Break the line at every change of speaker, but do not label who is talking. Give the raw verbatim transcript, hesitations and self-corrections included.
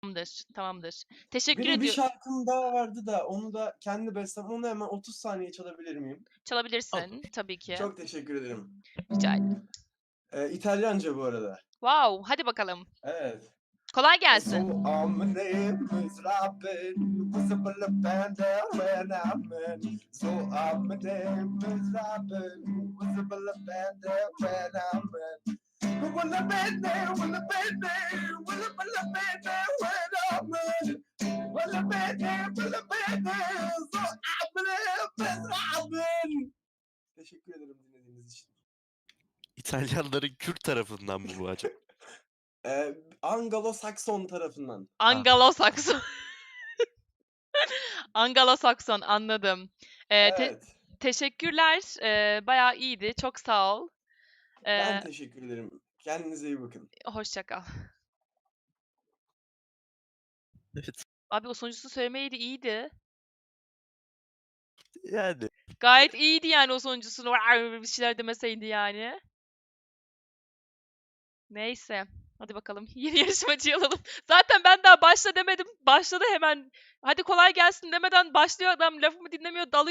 Tamamdır, tamamdır. Teşekkür
Benim bir
ediyorum.
şarkım daha vardı da onu da kendi bestem. Onu hemen otuz saniye çalabilir miyim?
Çalabilirsin tabii ki.
Çok teşekkür ederim.
Rica ederim.
Eee, İtalyanca bu arada.
Wow, hadi bakalım.
Evet.
Kolay
So
gelsin.
I'm my name is Robin, visible offender when I'm in. So I'm my name is Robin, visible offender when I'm in. Will I be there? Will I be there? Will I be there when I'm in? Will I be there? Will I be there? So I'm my name is Robin. Teşekkür ederim dinlediğiniz için.
İtalyanların Kürt tarafından mı bu acaba?
Eee, Anglo-Sakson tarafından.
Ha.
Anglo-Sakson. Anglo-Sakson, anladım. Eee, te
Evet.
teşekkürler. Eee, bayağı iyiydi. Çok sağ ol.
Ben
Eee
teşekkür ederim. Kendinize iyi bakın.
Hoşça kal.
Evet.
Abi o sonuncusu söylemeydi, iyiydi.
Yani.
Gayet iyiydi yani o sonuncusunu bir şeyler demeseydi yani. Neyse. Hadi bakalım. Yeni yarışmacıyı alalım. Zaten ben daha başla demedim. Başladı hemen. Hadi kolay gelsin demeden başlıyor adam. Lafımı dinlemiyor, dalıyor.